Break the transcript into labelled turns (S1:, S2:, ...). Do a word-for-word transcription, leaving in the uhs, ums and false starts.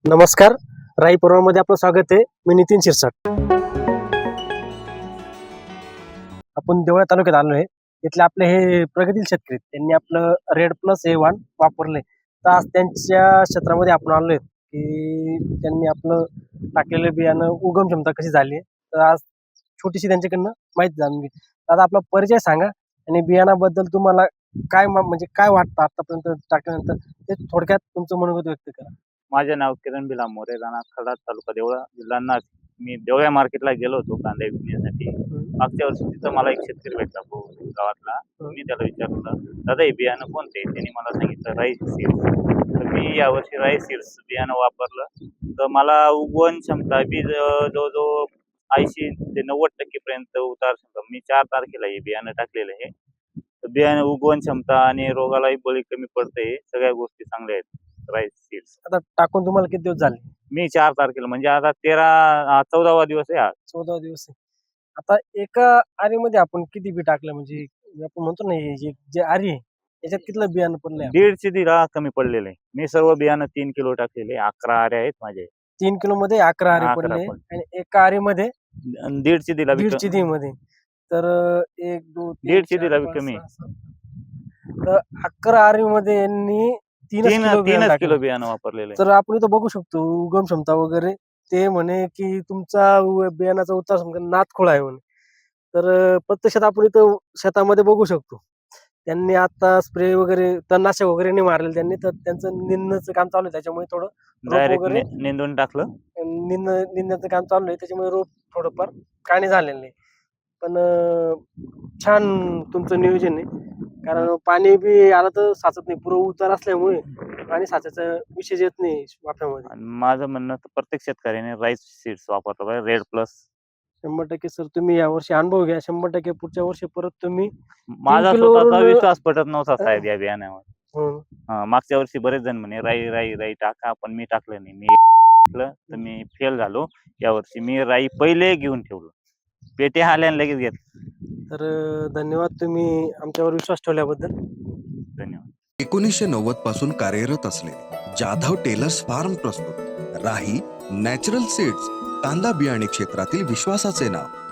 S1: नमस्कार. राई मध्ये आपलं स्वागत आहे. मी नितीन शिरसाट. आपण देवळा तालुक्यात आलो आहे. इथले आपले हे प्रगतील शेतकरी त्यांनी आपलं रेड प्लस हे वाण वापरले. तर आज त्यांच्या क्षेत्रामध्ये आपण आलो आहे की त्यांनी आपलं टाकलेलं बियाणं उगम क्षमता कशी झाली आहे. तर आज छोटीशी त्यांच्याकडनं माहिती जाणून घे. आता आपला परिचय सांगा आणि बियाणाबद्दल तुम्हाला काय म्हणजे काय वाटतं आतापर्यंत टाकल्यानंतर ते थोडक्यात तुमचं मनोगत व्यक्त करा.
S2: माझे नाव किरण भिला मोरे, राणा खडा, तालुका देवळा, जिल्हा नाशिक. मी देवळा मार्केटला गेलो होतो कांदे विकण्यासाठी. मागच्या वर्षी तिथं मला एक शेतकरी भेटला गावातला. मी त्याला विचारलं, दादा हे बियाणं कोणते? त्यांनी मला सांगितलं राईस सीड्स. तर मी यावर्षी राईस सीड्स बियाणं वापरलं. तर मला उगवण क्षमता बी जवळजवळ ऐंशी ते नव्वद टक्के पर्यंत उतार क्षमता. मी चार तारखेला हे बियाणं टाकलेलं आहे. तर बियाणं उगवण क्षमता आणि रोगालाही बळी कमी पडते, सगळ्या गोष्टी चांगल्या आहेत राईस सीड्स.
S1: आता टाकून तुम्हाला किती दिवस झाले?
S2: मी चार तारखेला म्हणजे आता तेरा चौदावा दिवस आहे आज.
S1: चौदा दिवस आहे. आता एका आरीमध्ये आपण किती बी टाकलं म्हणजे आपण म्हणतो ना हे जे आरी आहे याच्यात कितलं बियाणं पडलंय?
S2: दीडशे दिला कमी पडलेलं आहे. मी सर्व बियाणं तीन किलो टाकलेले. अकरा आरे आहेत माझे.
S1: तीन किलो मध्ये अकरा आरे
S2: अकरा
S1: पडले
S2: पण.
S1: आणि एका आरीमध्ये
S2: अन दीडशे दिला बी
S1: दीडशे दी मध्ये तर एक दोन तीन,
S2: दीडशे
S1: चार,
S2: दिला बी
S1: पाच,
S2: कमी.
S1: सहा, सात. तर अकरा आरीमध्ये यांनी तीनच
S2: तीन
S1: किलो बियाणं
S2: तीनच किलो
S1: टाकलं.
S2: बियाणं वापरलेलं आहे.
S1: तर आपण इथं बघू शकतो उगम क्षमता वगैरे ते म्हणे की तुमचा उ- बियाणाचा उतार समजा नातखोळा आहे म्हणे. तर अं, प्रत्यक्षात आपण इथं शेतामध्ये बघू शकतो त्यांनी आता स्प्रे वगैरे तणनाशक वगैरे नाही मारले त्यांनी, तर त्यांचं निंदचं काम चालू आहे त्याच्यामुळे थोडं रोप
S2: डायरेक्ट
S1: वगैरे
S2: निंदून टाकलं.
S1: निंद निंदण्याचं काम चालू आहे त्याच्यामुळे रोप थोडंफार काणे झालेलं नाही. पण अं, छान तुमचं नियोजन आहे कारण पाणी बी आलं तर साचत नाही. पुरं उतार असल्यामुळे पाणी साचायचा विषय येत नाही वाफ्यामध्ये.
S2: आणि माझं म्हणणं तर प्रत्येक शेतकऱ्याने राईस सीड्स वापरलं पाहिजे, रेड प्लस.
S1: शंभर टक्के सर तुम्ही यावर्षी अनुभव घ्या. शंभर टक्के पुढच्या वर्षी परत तुम्ही
S2: माझा
S1: किलोवरून
S2: स्वतःचा विश्वास पटत नव्हता साहेब या बियाण्यावर.
S1: हं,
S2: हा, मागच्या वर्षी बरेच जण म्हणे राई राई राई टाका, पण मी टाकलं नाही. मी टाकलं तर मी फेल झालो. यावर्षी मी राई पहिले घेऊन ठेवलं, पेटे आल्याने लगेच घेतलं.
S1: तर अं, धन्यवाद तुम्ही आमच्यावर विश्वास ठेवल्याबद्दल.
S2: धन्यवाद.
S3: एकोणीसशे नव्वद पासून कार्यरत असलेले जाधव टेलर्स फार्म प्रस्तुत राही नॅचरल सीड्स, कांदा बियाणे क्षेत्रातील विश्वासाचे नाव.